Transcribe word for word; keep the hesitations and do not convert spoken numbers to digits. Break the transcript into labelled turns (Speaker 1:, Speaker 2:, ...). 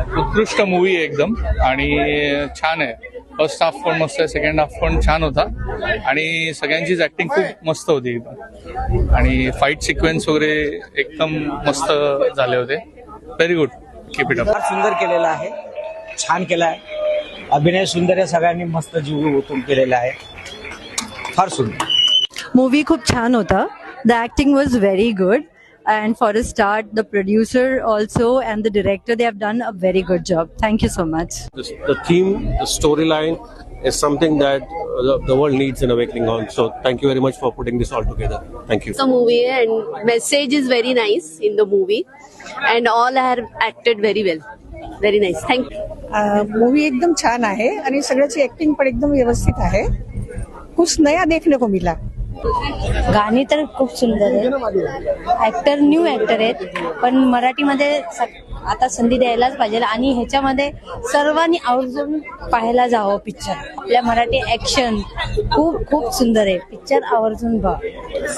Speaker 1: उत्कृष्ट मूवी आहे एकदम आणि छान आहे. फर्स्ट हाफ पण मस्त आहे, सेकंड हाफ पण छान होता आणि सगळ्यांचीच ऍक्टिंग खूप मस्त होती एकदम आणि फाईट सिक्वेन्स वगैरे एकदम मस्त झाले होते. Very good, keep it up.
Speaker 2: फार सुंदर केलेला आहे, छान केला आहे, अभिनय सुंदर आहे, सगळ्यांनी मस्त जीव ओतून केलेला आहे, फार सुंदर.
Speaker 3: मूवी खूप छान होता. The acting was very good and for a start the producer also and the director, they have done a very good job. Thank you so much.
Speaker 4: The, the theme, the storyline is something that uh, the, the world needs an awakening on. So thank you very much for putting this all together. Thank you.
Speaker 5: The movie and message is very nice in the movie and all are acted very well. Very nice. Thank you.
Speaker 6: Movie एकदम छान आहे आणि सगळ्याची acting पण एकदम व्यवस्थित आहे. कुछ नया देखने को मिला.
Speaker 3: गाणी तर खूप सुंदर आहे. ऍक्टर न्यू ऍक्टर आहेत पण मराठीमध्ये आता संधी द्यायलाच पाहिजे आणि ह्याच्यामध्ये सर्वांनी आवर्जून पाहायला जावं पिक्चर. आपल्या मराठी ऍक्शन खूप खूप सुंदर आहे. पिक्चर आवर्जून बघा.